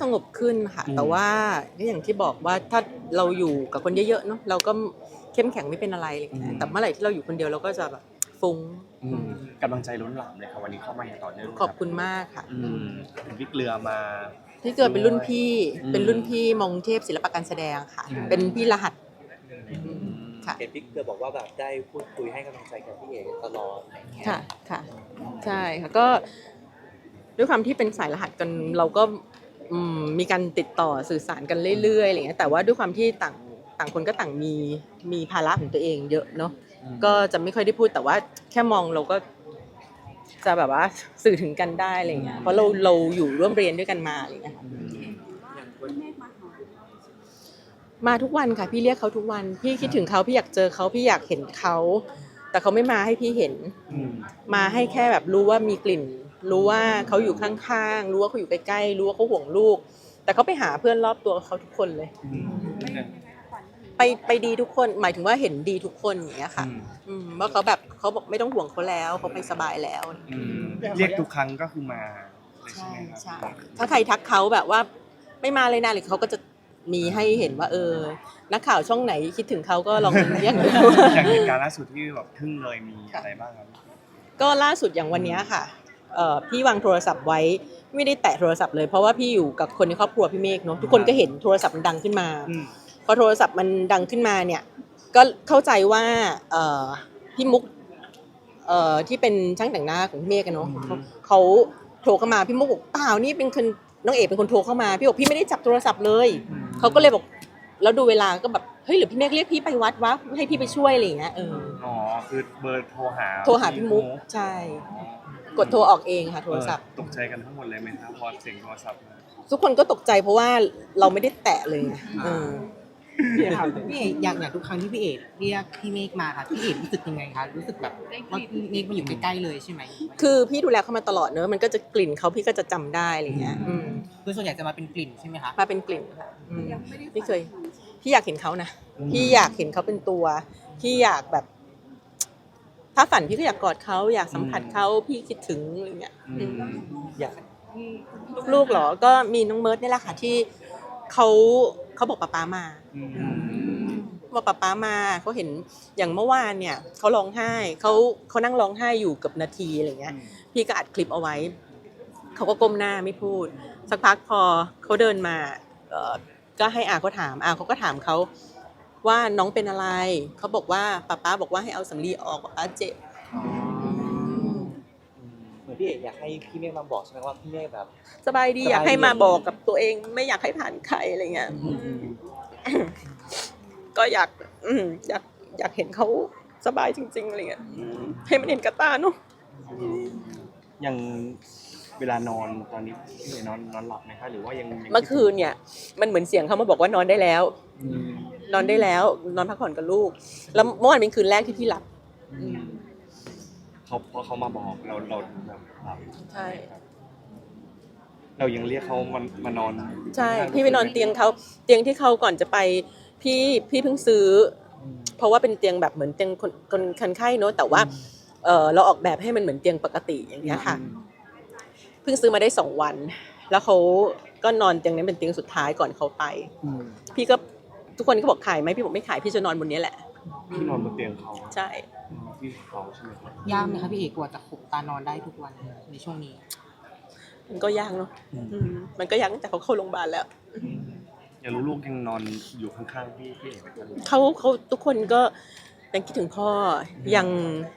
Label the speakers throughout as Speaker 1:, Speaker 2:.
Speaker 1: งบขึ้นค่ะแต่ว่าก็อย่างที่บอกว่าถ้าเราอยู่กับคนเยอะๆเนาะเราก็เข้มแข็งไม่เป็นอะไรอะไรอย่างเงี้ยแต่เมื่อไหร่ที่เราอยู่คนเดียวเราก็จะแบบฟุ้ง
Speaker 2: กำลังใจล้นหลามเลยค่ะวันนี้เข้ามาอย่างต่อเนื่อง
Speaker 1: ขอบคุณมากค่ะ
Speaker 2: เป็นวิกเรือมา
Speaker 1: ที่เกิดเป็นรุ่นพี่มงเทพศิลปะการแสดงค่ะเป็นพี่รหัสค่ะ
Speaker 3: เห็นพี่เกลือบอกว่าแบบได้พูดคุยให้กำลังใจกับพี่เอกตลอดอะไรอย่างเงี้ย
Speaker 1: ค่ะค่ะใช่ค่ะก็ด้วยความที่เป็นสายรหัสกันเราก็มีการติดต่อสื่อสารกันเรื่อยๆอะไรเงี้ยแต่ว่าด้วยความที่ต่างคนก็ต่างมีภาระของตัวเองเยอะเนาะก็จะไม่ค่อยได้พูดแต่ว่าแค่มองเราก็จะแบบว่าสื่อถึงกันได้อะไรเงี้ยเพราะเราอยู่ร่วมเรียนด้วยกันมาอะไรเงี้ยมาทุกวันค่ะพี่เรียกเขาทุกวันพี่คิดถึงเขาพี่อยากเจอเขาพี่อยากเห็นเขาแต่เขาไม่มาให้พี่เห็นมาให้แค่แบบรู้ว่ามีกลิ่นรู้ว่าเขาอยู่ข้างๆรู้ว่าเขาอยู่ใกล้ๆรู้ว่าเขาห่วงลูกแต่เขาไปหาเพื่อนรอบตัวเขาทุกคนเลยไปดีทุกคนหมายถึงว่าเห็นดีทุกคนอย่างเงี้ยค่ะว่าเขาแบบเขาบอกไม่ต้องห่วงเขาแล้วเขาไปสบายแล้ว
Speaker 2: เรียกทุกครั้งก็คือมา
Speaker 1: ใช่ใช่ถ้าใครทักเขาแบบว่าไม่มาเลยนะหรือเขาก็จะมีให้เห็นว่านักข่าวช่องไหนคิดถึงเขาก็ลองเรียกดู
Speaker 2: อย่างเหตุการณ์ล่าสุดที่แบบทึ่งเลยมีอะไรบ้างครับ
Speaker 1: ก็ล่าสุดอย่างวันนี้ค่ะพี่วางโทรศัพท์ไว้ไม่ได้แตะโทรศัพท์เลยเพราะว่าพี่อยู่กับคนในครอบครัวพี่เมฆเนาะทุกคนก็เห็นโทรศัพท์มันดังขึ้นมาพอโทรศัพท์มันดังขึ้นมาเนี่ยก็เข้าใจว่าพี่มุกที่เป็นช่างแต่งหน้าของพี่เมฆกันเนาะเขาโทรเข้ามาพี่มุกบอกเปล่านี่เป็นคนน้องเอกเป็นคนโทรเข้ามาพี่บอกพี่ไม่ได้จับโทรศัพท์เลยเขาก็เลยบอกแล้วดูเวลาก็แบบเฮ้ยหรือพี่เมฆเรียกพี่ไปวัดวะให้พี่ไปช่วยอะไรอย่างเงี้ย
Speaker 2: อ๋อคือเบอร์โทรหา
Speaker 1: พี่มุกใช่กดโทรออกเองค่ะโทรศัพท์
Speaker 2: ตกใจกันทั้งหมดเลยไหมครับพอเสียงโทรศัพท์
Speaker 1: ทุกคนก็ตกใจเพราะว่าเราไม่ได้แตะเลย
Speaker 4: พี่เอกอย่างทุกครั้งที่พี่เอกเรียกพี่เมฆมาค่ะพี่เอกรู้สึกยังไงคะรู้สึกแบบว่าพี่เมฆมาอยู่ใกล้ๆเลยใช่ไหม
Speaker 1: คือพี่ดูแลเขามาตลอดเนอะมันก็จะกลิ่นเขาพี่ก็จะจำได้อะไรเงี้ย
Speaker 4: คือส่วนใหญ่จะมาเป็นกลิ่นใช่ไหมคะ
Speaker 1: มาเป็นกลิ่นค่ะพี่เคยพี่อยากเห็นเขานะพี่อยากเห็นเขาเป็นตัวพี่อยากแบบถ้าฝันพี่ก็อยากกอดเขาอยากสัมผัสเขาพี่คิดถึงอะไรเงี้ย
Speaker 3: อยาก
Speaker 1: ลูกๆหรอก็มีน้องเมิร์ดนี่แหละค่ะที่เขาบอกป๊ามาบอกป๊ามาเขาเห็นอย่างเมื่อวานเนี่ยเขาร้องไห้เขานั่งร้องไห้อยู่กับนาทีอะไรเงี้ยพี่ก็อัดคลิปเอาไว้เขาก็ก้มหน้าไม่พูดสักพักพอเขาเดินมาก็ให้เขาถามเขาก็ถามเขาว่าน้องเป็นอะไรเขาบอกว่าป๊าบอกว่าให้เอาสำลีออกป๊าเจ็บ
Speaker 3: เหมือนพี่เอกอยากให้พี่เมฆมาบอกใช่ไหมว่าพี่เมฆแบบ
Speaker 1: สบายดีอยากให้มาบอกกับตัวเองไม่อยากให้ผ่านใครอะไรเงี้ยก็อยากเห็นเขาสบายจริงๆอะไรเงี้ยให้มันเห็นกับตาเนาะ
Speaker 2: ยังเวลานอนตอนนี้พี่นอนหลับไหมคะหรือว่ายัง
Speaker 1: เมื่อคืนเนี่ยมันเหมือนเสียงเขามาบอกว่านอนได้แล้วนอนได้แล้วนอนพักผ่อนกับลูกแล้วเมื่อวานเป็นคืนแรกที่พี่หลับ
Speaker 2: พอเขามาบอกเราแบบหลับ
Speaker 1: ใช่
Speaker 2: เรายังเรียกเขามานอน
Speaker 1: ใช่พี่ไปนอนเตียงเขาเตียงที่เขาก่อนจะไปพี่เพิ่งซื้อเพราะว่าเป็นเตียงแบบเหมือนเตียงคนไข้เนอะแต่ว่าเราออกแบบให้มันเหมือนเตียงปกติอย่างเงี้ยค่ะเพิ่งซื้อมาได้2 วันแล้วเขาก็นอนเตียงนี้เป็นเตียงสุดท้ายก่อนเขาไปพี่ก็ทุกคนก็บอกขายไหมพี่บอกไม่ขายพี่จะนอนบนนี้แหละ
Speaker 2: พี่นอนบนเตียงเขา
Speaker 1: ใช่
Speaker 2: พี่เขาใช่ไหมครับ
Speaker 4: ยากไหมคะพี่เอกกว่าจะขบตานอนได้ทุกวันในช่วงนี้
Speaker 1: มันก็ยากเนาะมันก็ยากตั้งแต่เขาเข้าโรงพยาบาลแล้ว
Speaker 2: อยากรู้ลูกยังนอนอยู่ข้างๆพี่เอกไหม
Speaker 1: เขาทุกคนก็ยังคิดถึงพ่อยัง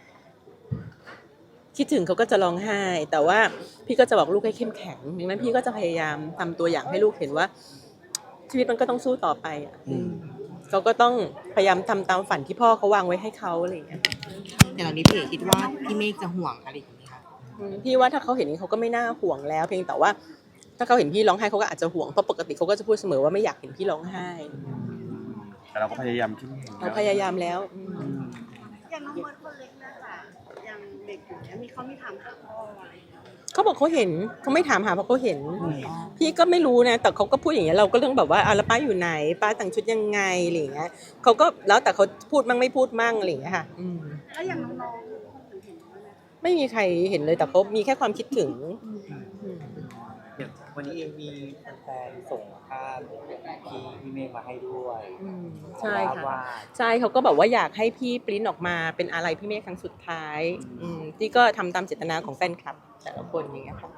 Speaker 1: คิดถึงเขาก็จะร้องไห้แต่ว่าพี่ก็จะบอกลูกให้เข้มแข็งดังนั้นพี่ก็จะพยายามทำตัวอย่างให้ลูกเห็นว่าชีวิตมันก็ต้องสู้ต่อไปเขาก็ต้องพยายามทำตามฝันที่พ่อเขาวางไว้ให้เขาอะไรอย่างเงี้ย
Speaker 4: แต่ตอนนี้พี่เอกคิดว่าพี่เมฆจะห่วงอะไรอย่างนี้คะ
Speaker 1: พี่ว่าถ้าเขาเห็นเขาก็ไม่น่าห่วงแล้วเพียงแต่ว่าถ้าเขาเห็นพี่ร้องไห้เขาก็อาจจะห่วงเพราะปกติเขาก็จะพูดเสมอว่าไม่อยากเห็นพี่ร้องไห้
Speaker 2: แต่เราก็พยายาม
Speaker 1: เราพยายามแล้ว
Speaker 5: อย่างน้องเมิร์ดคนเล็กนะคะยังเด็กอยู่เนี่ยเขาไม่ถามหาพ่ออะไร
Speaker 1: เขาบอกเขาเห็นเขาไม่ถามหาเพราะเขาเห็นพี่ก็ไม่รู้นะแต่เขาก็พูดอย่างเงี้ยเราก็เรื่องแบบว่าแล้วป้าอยู่ไหนป้าแต่งชุดยังไงอะไรอย่างเงี้ยเขาก็แล้วแต่เขาพูดมั่งไม่พูดมั่งอะไรอย่างเงี้ยค่ะ
Speaker 5: แล้วอย่างน้องๆคนอื่นเห็นไหม
Speaker 1: ไม่มีใครเห็นเลยแต่เขามีแค่ความคิดถึง
Speaker 3: วันนี้เองมีแฟนๆส่งภาพพี่เมฆมาให้ด้วย
Speaker 1: ใช่ค่ะ
Speaker 3: ว่า
Speaker 1: ใช่เขาก็แบบว่าอยากให้พี่ปริ้นออกมาเป็นอะไรพี่เมฆครั้งสุดท้ายที่ก็ทำตามเจตนาของแฟนคลับแต่ละคนอย่างเงี้ยค่ะ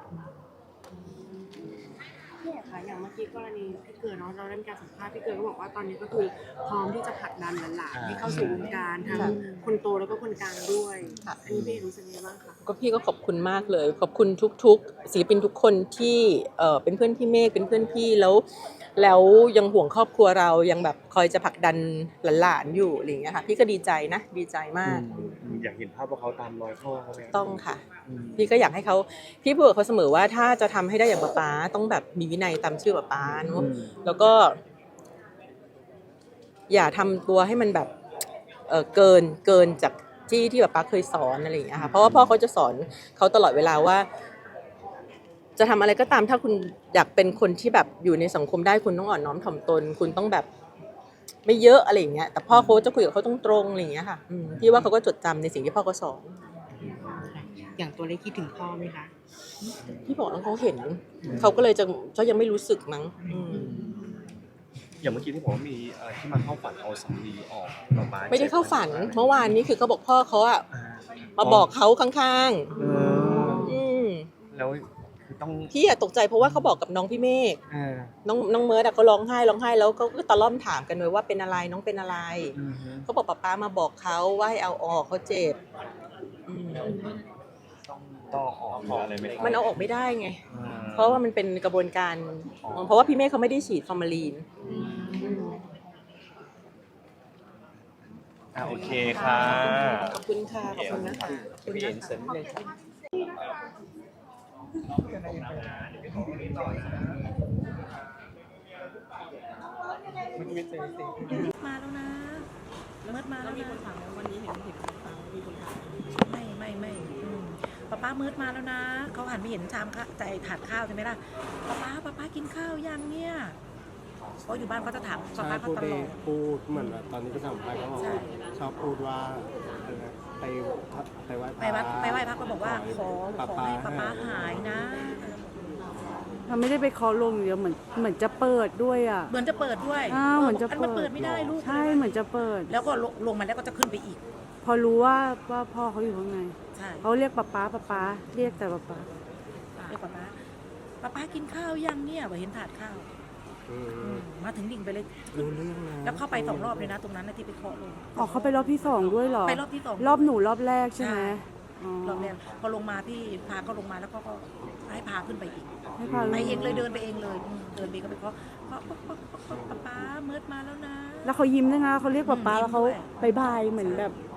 Speaker 5: พี่เอกคะอย่างเมื่อกี้กรณีพี่เกิดเนาะเราได้มีการสัมภาษณ์พี่เกิดก็บอกว่าตอนนี้ก็คือพร้อมที่จะผลักดันหลานๆให้เข้าสู่วงการทั้ง
Speaker 1: ค่ะ
Speaker 5: คนโตแล้วก็คนกลางด้วย
Speaker 1: ค่ะ
Speaker 5: อันนี้พี่เอกรู้สึกยังไงบ้างคะ
Speaker 1: ก็พี่ก็ขอบคุณมากเลย ขอบคุณทุกๆศิลปินทุกคนที่เป็นเพื่อนพี่เมฆเป็นเพื่อนพี่แล้วยังห่วงครอบครัวเรายังแบบคอยจะผลักดันหลานๆอยู่อะไรอย่างเงี้ยค่ะพี่ก็ดีใจนะดีใจมาก
Speaker 2: อยากเห็นภาพว่าเขาตามรอยพ่อเขาไหม
Speaker 1: ต้องค่ะ พี่ก็อยากให้เขาพี่พูดกับเขาเสมอว่าถ้าจะทำให้ได้อย่างป๊าต้องแบบมีวินัยตามชื่อป๊าเนอะแล้วก็ อย่าทำตัวให้มันแบบเกินจากที่ป๊าเคยสอนอะไรอย่างเงี้ยค่ะเพราะว่าพ่อเขาจะสอนเขาตลอดเวลาว่า จะทำอะไรก็ตามถ้าคุณอยากเป็นคนที่แบบอยู่ในสังคมได้คุณต้องอ่อนน้อมถ่อมตน คุณต้องแบบไม่เยอะอะไรอย่างเงี้ยแต่พ่อเขาจะคุยกับเขาตรงๆอะไรอย่างเงี้ยค่ะพี่ว่าเขาก็จดจำในสิ่งที่พ่อเขาสอน
Speaker 4: อย่างตัวเล็กคิดถึงพ่อไหมคะ
Speaker 1: พี่บอกแล้วเขาเห็นเขาก็เลยจะยังไม่รู้สึกมั้ง
Speaker 2: อย่างเมื่อกี้ที่บอกว่ามีที่มาเข้าฝันเอาสำลีออกมาบ้าน
Speaker 1: ไม่ได้เข้าฝันเมื่อวานนี้คือเขาบอกพ่อเขาอะมาบอกเขาข้างๆ
Speaker 2: แล้วคือต้อง
Speaker 1: พี่อะตกใจเพราะว่าเขาบอกกับน้องพี่เมฆน้องเมิร์ดอะเขาร้องไห้แล้วก็ตะล่อมถามกันเลยว่าเป็นอะไรน้องเป็นอะไรเขาบอกป๊ามาบอกเขาว่าให้เอาออกเขาเจ็บ
Speaker 2: ต้องออกหรืออะไรไหม
Speaker 1: มันเอาออกไม่ได้ไงเพราะว่ามันเป็นกระบวนการเพราะว่าพี่เมฆเขาไม่ได้ฉีดฟอร์มาลีน
Speaker 2: โอเคค่ะ
Speaker 1: ขอบคุณค่ะขอบคุณนะคะ
Speaker 3: พี่เอ็นเสริมนิดนึงครับ
Speaker 6: มาแล้วนะเมิดมาแล้วนะ
Speaker 1: วันนี้เห็นมีคนถาม
Speaker 6: ไม่ป้าเมิดมาแล้วนะเขาหันไปเห็นชามข้าวใจถาดข้าวใช่ไหมล่ะป้ากินข้าวยังเนี่ยเพราะอยู่บ้านเขาจะถามป้าเขาตลอด
Speaker 7: พูดเหมือนแบบตอนนี้ก็สัมภาษณ์เขาบอก
Speaker 6: ใช่
Speaker 7: ชอบพูดว่าไปไหว้พ
Speaker 6: ไป
Speaker 7: ระ
Speaker 6: วัดไปไหว้พระก็บอกว่าขอให้ป้าหายนะ
Speaker 8: มันไม่ได้ไปเคาะลงอย่างเดียวเหมือนจะเปิดด้วยอ่ะ
Speaker 6: เหมือนจะเปิดด้วย
Speaker 8: เหมือนจะ
Speaker 6: มันเปิดไม่ได้ลูก
Speaker 8: ใช่เหมือนจะเปิด
Speaker 6: แล้วก็ลงมาแล้วก็จะขึ้นไปอีก
Speaker 8: พอรู้ว่าพ่อเขาอยู่ข้างใน
Speaker 6: ใช่
Speaker 8: เขาเรียกป๊าเรียกแต่ป๊า
Speaker 6: เรียกป้ากินข้าวยังเนี่ยเห็นถาดข้าว มาถึงดิ่งไปเลย
Speaker 7: รู้เรื่องนะ
Speaker 6: แล้วเข้าไป2 รอบเลยนะตรงนั้นนะที่ไปเคาะลง
Speaker 8: ออกเขาไปรอบที่สองด้วยเหรอ
Speaker 6: ไปรอบที่2
Speaker 8: รอบหนูรอบแรกใช่ไหม
Speaker 6: ใช่
Speaker 8: อ๋อ
Speaker 6: รอบแรกพอลงมาพี่พาก็ลงมาแล้วก็ให้พาขึ้นไปอีก
Speaker 8: ให้พา
Speaker 6: ไปเองเลยเดินไปเองเลยเดินไปก็ไปเคาะป้าเมิดมาแล้วนะ
Speaker 8: แล้วเขายิ้มด้วยนะเขาเรียกป๊าแล้วเขา
Speaker 6: ยิ้มด้วย
Speaker 8: บายเหมือนแบบ